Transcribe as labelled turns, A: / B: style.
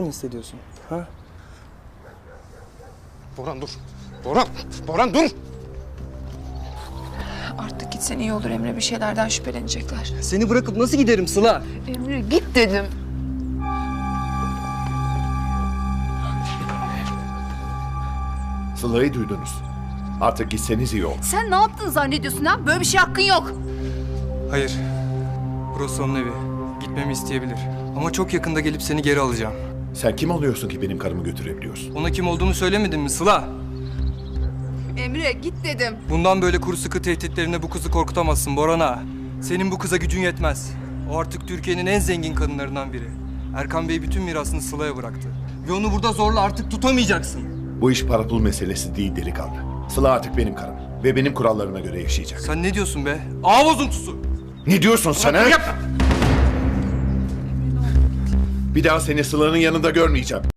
A: mı hissediyorsun? Ha?
B: Boran dur. Boran dur.
C: Artık gitsen iyi olur Emre. Bir şeylerden şüphelenecekler.
A: Seni bırakıp nasıl giderim Sıla?
C: Emre git dedim.
D: Sıla'yı duydunuz. Artık gitseniz iyi olur.
E: Sen ne yaptın zannediyorsun ha? Böyle bir şey hakkın yok.
A: Hayır. Burası onun evi. Gitmemi isteyebilir. Ama çok yakında gelip seni geri alacağım.
D: Sen kim oluyorsun ki benim karımı götürebiliyorsun?
A: Ona kim olduğumu söylemedin mi Sıla?
C: Emre git dedim.
A: Bundan böyle kuru sıkı tehditlerine bu kızı korkutamazsın Boran'a. Senin bu kıza gücün yetmez. O artık Türkiye'nin en zengin kadınlarından biri. Erkan Bey bütün mirasını Sıla'ya bıraktı. Ve onu burada zorla artık tutamayacaksın.
D: Bu iş para pul meselesi değil delikanlı. Sıla artık benim karım ve benim kurallarıma göre yaşayacak.
A: Sen ne diyorsun be? Ağ bozuntusu!
D: Ne diyorsun sen ha?
A: Yap!
D: Bir daha seni Sıla'nın yanında görmeyeceğim.